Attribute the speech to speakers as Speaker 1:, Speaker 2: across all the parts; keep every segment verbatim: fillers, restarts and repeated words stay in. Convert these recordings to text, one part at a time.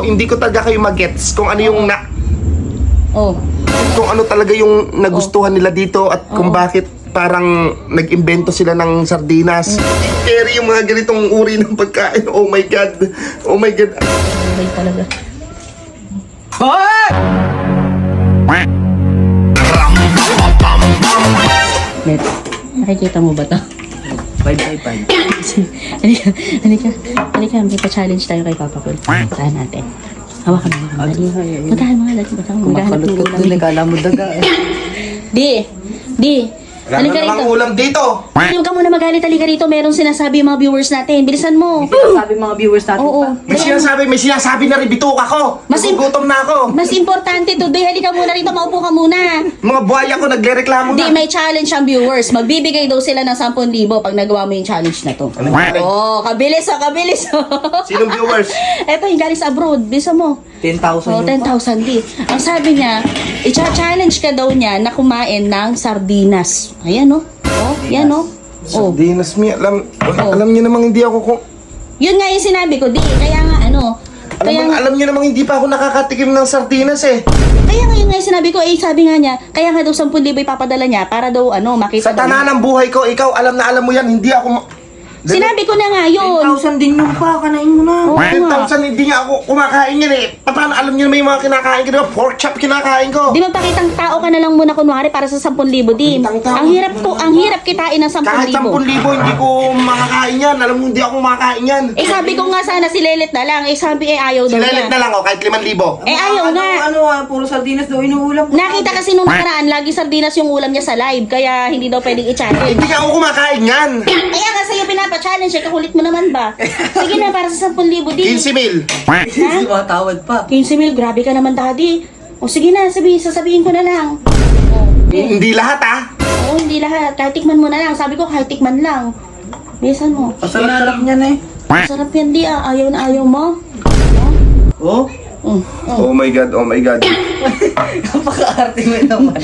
Speaker 1: nyo, hindi ko talaga kayo magets kung ano yung na...
Speaker 2: Oh.
Speaker 1: Kung ano talaga yung nagustuhan nila dito at kung bakit parang nag-imbento sila ng sardinas. Carry yung mga ganitong uri ng pagkain. Oh my God. Oh my God.
Speaker 2: Ay, talaga. Net, nakikita mo ba to?
Speaker 3: Bye bye bye.
Speaker 2: Halika, halika, halika, may pa-challenge tayo kay Papa Cool. Puntahan natin. Hawakan mo, hawakan mo. Dali. Puntahan mo nga, dali. Puntahan mo. Maghahanap ng
Speaker 3: Kumakalot-kot
Speaker 2: ulam.
Speaker 3: dun eh, kala mo daga eh.
Speaker 2: Di, di.
Speaker 1: Wala
Speaker 2: Halika
Speaker 1: na namang
Speaker 2: rito.
Speaker 1: ulam dito.
Speaker 2: Huwag ka muna magalit, halika rito. Merong sinasabi yung mga viewers natin. Bilisan mo.
Speaker 3: Sabi mga viewers natin
Speaker 2: Oo.
Speaker 3: pa.
Speaker 1: May sinasabi, may sinasabi na rin bituk ako.
Speaker 2: Mas im-
Speaker 1: Nagugutom na ako.
Speaker 2: Mas importante today, halika muna rito. Maupo ka muna.
Speaker 1: Mga buhaya ko nagre-reklamo
Speaker 2: Di,
Speaker 1: na.
Speaker 2: may challenge ang viewers. Magbibigay daw sila ng ten thousand pag nagawa mo yung challenge na to.
Speaker 1: Ano yung challenge?
Speaker 2: Oh, kabilis oh, kabilis oh.
Speaker 1: Sinong viewers?
Speaker 2: Eto, yung galing sa abroad. Bisa mo.
Speaker 3: ten thousand
Speaker 2: Oh,
Speaker 3: yun
Speaker 2: ten
Speaker 3: pa.
Speaker 2: thousand di. Ang sabi niya, i-challenge ka daw niya na kumain ng sardinas. Ayan oh. Oh, yan oh. Oh.
Speaker 1: Sardinas, mi. Alam,
Speaker 2: Oh.
Speaker 1: alam niyo namang hindi ako kung...
Speaker 2: Yun nga yung sinabi ko, di. Kaya nga ano.
Speaker 1: Alam,
Speaker 2: Kaya,
Speaker 1: mo, alam niyo namang hindi pa ako nakakatikim ng sardinas eh.
Speaker 2: kaya nga yun nga yung sinabi ko, eh sabi nga niya, kaya nga daw ten thousand ipapadala niya para daw ano, makita
Speaker 1: Sa
Speaker 2: daw
Speaker 1: tanan
Speaker 2: niya.
Speaker 1: ng buhay ko, ikaw alam na alam mo yan, hindi ako... ma-
Speaker 2: Sinabi ko na nga
Speaker 3: ten
Speaker 2: yun.
Speaker 3: thousand din yung pa, kanain mo na.
Speaker 2: Oo
Speaker 1: ten
Speaker 2: nga.
Speaker 1: thousand hindi nga ako kumakain yan eh. Paano alam niyo naman yung mga kinakain ko, diba? Pork chop kinakain ko.
Speaker 2: Di magpakitang tao ka na lang muna kunwari para sa ten thousand din.
Speaker 1: Pakitang tao.
Speaker 2: Ang hirap ko, ang hirap kitain ng ten
Speaker 1: Kahit
Speaker 2: thousand.
Speaker 1: ten thousand hindi ko makakain yan. Alam mo, hindi ako makakain yan.
Speaker 2: Eh sabi ko nga sana si Lelet na lang. Eh sabi eh ayaw daw
Speaker 1: Silelit
Speaker 2: niya.
Speaker 1: na lang oh, kahit limang libo.
Speaker 2: Eh ayaw
Speaker 3: ano,
Speaker 2: nga.
Speaker 3: Ano ah, puro sardinas daw inuulam ko.
Speaker 2: Nakita kasi nung nakaraan, lagi sardinas yung ulam niya sa live. Kaya hindi daw pwedeng i-challenge.
Speaker 1: Hindi nga ako kumakain yan.
Speaker 2: Kaya nga sa'yo pinapa-challenge. Eh kakulit mo naman ba? Sige na, para sa ten thousand din.
Speaker 1: fifteen mil.
Speaker 3: Sumatawad pa.
Speaker 2: fifteen mil, grabe ka naman daddy. O sige na, sabi, sasabihin ko na lang.
Speaker 1: Hindi lahat ah.
Speaker 2: Oo, hindi lahat. Kahit tikman mo na lang. Sabi ko, kahit tikman lang. Bilisan mo.
Speaker 3: Pasarap niyan eh.
Speaker 2: Sarap yan di ah. Ayaw na ayaw mo.
Speaker 3: Oh?
Speaker 2: Mm.
Speaker 1: Oh my God, oh my God.
Speaker 3: Napaka-arte mo naman.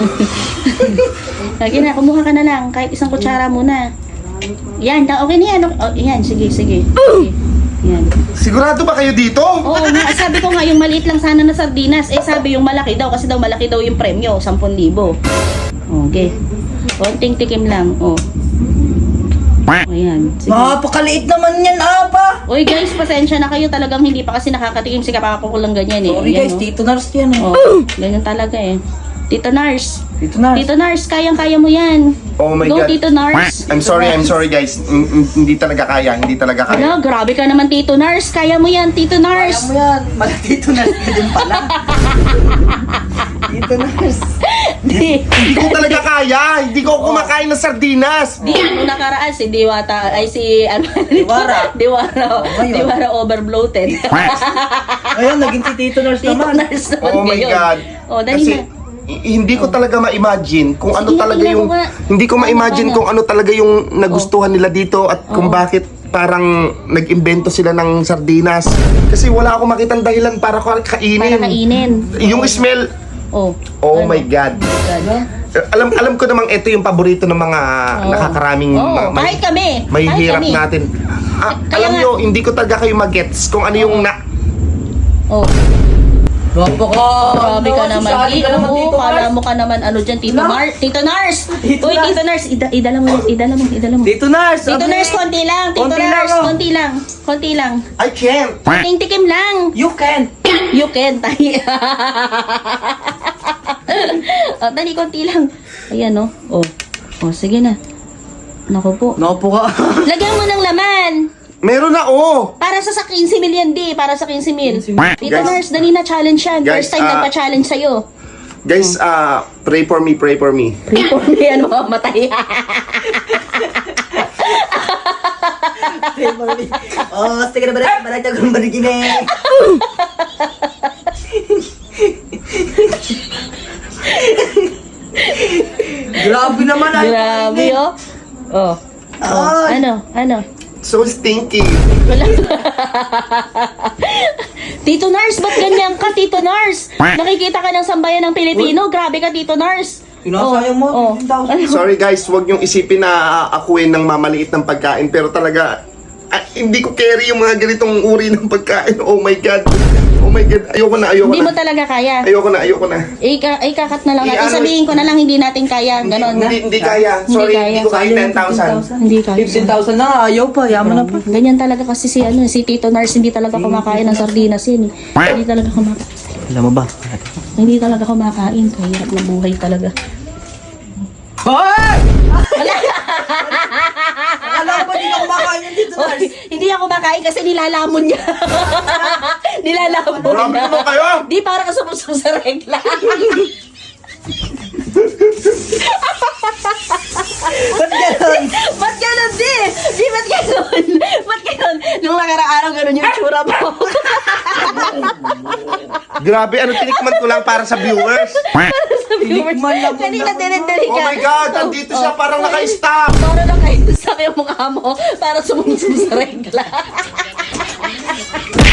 Speaker 2: Sige na, kumuha ka na lang. Kahit isang kutsara muna. Yan, da- okay na yan. Okay. Oh, yan, sige, sige. Sige. Yan.
Speaker 1: Sigurado ba kayo dito?
Speaker 2: Oo nga, sabi ko nga, yung maliit lang sana na sardinas. Eh, sabi yung malaki daw. Kasi daw malaki daw yung premyo. ten thousand. Okay. Konting tikim lang. Oh. O yan. Sige.
Speaker 3: Napakaliit naman yan, apa.
Speaker 2: Uy guys, pasensya na kayo. Talagang hindi pa kasi nakakatikim si Kapako ko lang ganyan eh.
Speaker 3: Sorry
Speaker 2: Ayan,
Speaker 3: guys,
Speaker 2: oh.
Speaker 3: Tito Nars yan eh.
Speaker 2: Oh, ganyan talaga eh. Tito Nars.
Speaker 3: Tito Nars.
Speaker 2: Tito Nars, kayang-kaya mo yan.
Speaker 1: Oh my
Speaker 2: Go,
Speaker 1: God.
Speaker 2: Tito Nars.
Speaker 1: I'm sorry, I'm sorry guys. Mm, mm, Hindi talaga kaya, hindi talaga kaya.
Speaker 2: Ala, grabe ka naman, Tito Nars. Kaya mo yan, Tito
Speaker 3: Kaya
Speaker 2: Nars.
Speaker 3: mo yan. Mala Tito Nars ka din pala. Tito Nars.
Speaker 2: Di,
Speaker 1: Hindi ko talaga kaya. Hindi ko kumakain ng sardinas.
Speaker 2: di, nung nakaraan, si Diwata, ay si, ano,
Speaker 3: Diwara.
Speaker 2: Diwara,
Speaker 3: ngayon.
Speaker 2: Diwara overbloated.
Speaker 3: Ayun, naging si Tito Nars
Speaker 2: Tito
Speaker 3: naman.
Speaker 2: Nars naman
Speaker 1: Oh my
Speaker 2: ngayon.
Speaker 1: God.
Speaker 2: Oh, dali
Speaker 1: Kasi
Speaker 2: na.
Speaker 1: i- hindi ko talaga ma-imagine kung ano
Speaker 2: Sige,
Speaker 1: talaga
Speaker 2: tingnan
Speaker 1: yung
Speaker 2: mo nga.
Speaker 1: hindi ko ma-imagine
Speaker 2: Ano,
Speaker 1: kung ano talaga yung nagustuhan nila dito at kung
Speaker 2: Oo.
Speaker 1: bakit parang nag-imbento sila ng sardinas. Kasi wala akong makitang dahilan para ko kainin.
Speaker 2: Para kainin.
Speaker 1: Yung smell,
Speaker 2: Oh.
Speaker 1: oh
Speaker 2: Ano?
Speaker 1: my God.
Speaker 2: God.
Speaker 1: Eh, Alam alam ko namang ito yung paborito ng mga
Speaker 2: Oo.
Speaker 1: nakakaraming
Speaker 2: Oo,
Speaker 1: mga- may,
Speaker 2: kahit kami.
Speaker 1: may
Speaker 2: Kahit
Speaker 1: hirap
Speaker 2: kami.
Speaker 1: natin. Ah,
Speaker 2: Kaya
Speaker 1: alam
Speaker 2: nga-
Speaker 1: nyo, hindi ko talaga kayo magets kung ano yung na...
Speaker 2: Oh.
Speaker 3: Napaka.
Speaker 2: Grabe ka naman.
Speaker 3: Sali
Speaker 2: Di,
Speaker 3: ka naman,
Speaker 2: oo,
Speaker 3: Tito
Speaker 2: kala
Speaker 3: Nars.
Speaker 2: mo ka naman ano dyan, Tito
Speaker 3: Wala.
Speaker 2: Nars. Tito Nars!
Speaker 3: Tito
Speaker 2: Uy,
Speaker 3: Nars.
Speaker 2: Tito Nars, ida idala mo, idala mo, idala mo.
Speaker 3: Tito Nars.
Speaker 2: Tito
Speaker 3: sabi-
Speaker 2: Nars, konti lang. Tito
Speaker 3: Konti lang,
Speaker 2: Nars,
Speaker 3: oh.
Speaker 2: konti lang. Konti lang.
Speaker 1: I can't.
Speaker 2: Konting tikim lang.
Speaker 3: You can.
Speaker 2: You can, tayo. Oh, dali, konti lang. Ayan, oh. Oh, oh sige na. Naku po.
Speaker 3: Napo ka.
Speaker 2: Lagyan mo ng laman.
Speaker 1: Meron na, oh!
Speaker 2: Para sa sa fifteen mil yan, di. Para sa fifteen mil. Tito
Speaker 1: Guys.
Speaker 2: Nars, dali na challenge yan.
Speaker 1: Guys,
Speaker 2: First time
Speaker 1: ah,
Speaker 2: nagpa-challenge sa'yo.
Speaker 1: Guys, ah, pray for me, pray for me.
Speaker 2: Report mo yan, mamatay.
Speaker 3: Oh, sige na ba? Balay tayo kung barigin eh. Grabe naman. ay.
Speaker 2: Grabe, oh. Oh. Oh.
Speaker 3: Ay.
Speaker 2: Ano? Ano?
Speaker 1: So stinky.
Speaker 2: Wala. Tito Nars, ba't ganyan ka, Tito Nars? Nakikita ka ng sambayan ng Pilipino. Grabe ka, Tito Nars.
Speaker 3: Sinasayang mo,
Speaker 2: Oh.
Speaker 3: fifteen thousand.
Speaker 2: Ano?
Speaker 1: Sorry guys, huwag niyong isipin na akuin ng mamaliit ng pagkain. Pero talaga, ah, hindi ko carry yung mga ganitong uri ng pagkain. Oh my God. Oh my God, ayoko na, ayoko
Speaker 2: Hindi mo
Speaker 1: na.
Speaker 2: talaga kaya.
Speaker 1: Ayoko na, ayoko na.
Speaker 2: Ika, ikakat na lang natin.
Speaker 1: I-ano-
Speaker 2: Sabihin ko na lang hindi natin kaya. Ganon na.
Speaker 1: Hindi, hindi kaya.
Speaker 2: Hindi
Speaker 1: Sorry,
Speaker 2: kaya.
Speaker 1: hindi ko kaya ten thousand.
Speaker 2: Hindi kaya.
Speaker 3: fifteen thousand na nga, ayaw pa, yaman na pa.
Speaker 2: Ganyan talaga kasi si ano, si Tito Nars hindi talaga kumakain ng sardinas yun. eh. Hindi talaga kumakain.
Speaker 3: Alam mo ba?
Speaker 2: Hindi talaga kumakain. Kahirap na buhay talaga.
Speaker 3: Hoy! Alam mo ba di na kumakain yan dito,
Speaker 2: Oy, hindi ako kumakain kasi nilalamon niya. nilalamon
Speaker 1: Grabe
Speaker 2: niya.
Speaker 1: naman kayo!
Speaker 2: Di para ka sumusong sa regla.
Speaker 3: Ba't ganun?
Speaker 2: Ba't ganun di? Di ba't ganun? Ba't ganun? Nung nakarang araw ganun yung tsura mo.
Speaker 1: Grabe, ano tinikman ko lang para sa viewers.
Speaker 3: Tinikman lang po
Speaker 2: Kanina
Speaker 3: lang.
Speaker 2: dinedeli
Speaker 1: Oh
Speaker 2: ka.
Speaker 1: my God, andito siya parang naka-stop.
Speaker 2: Para lang kayo sa yung mukha mo para sumusong sa regla.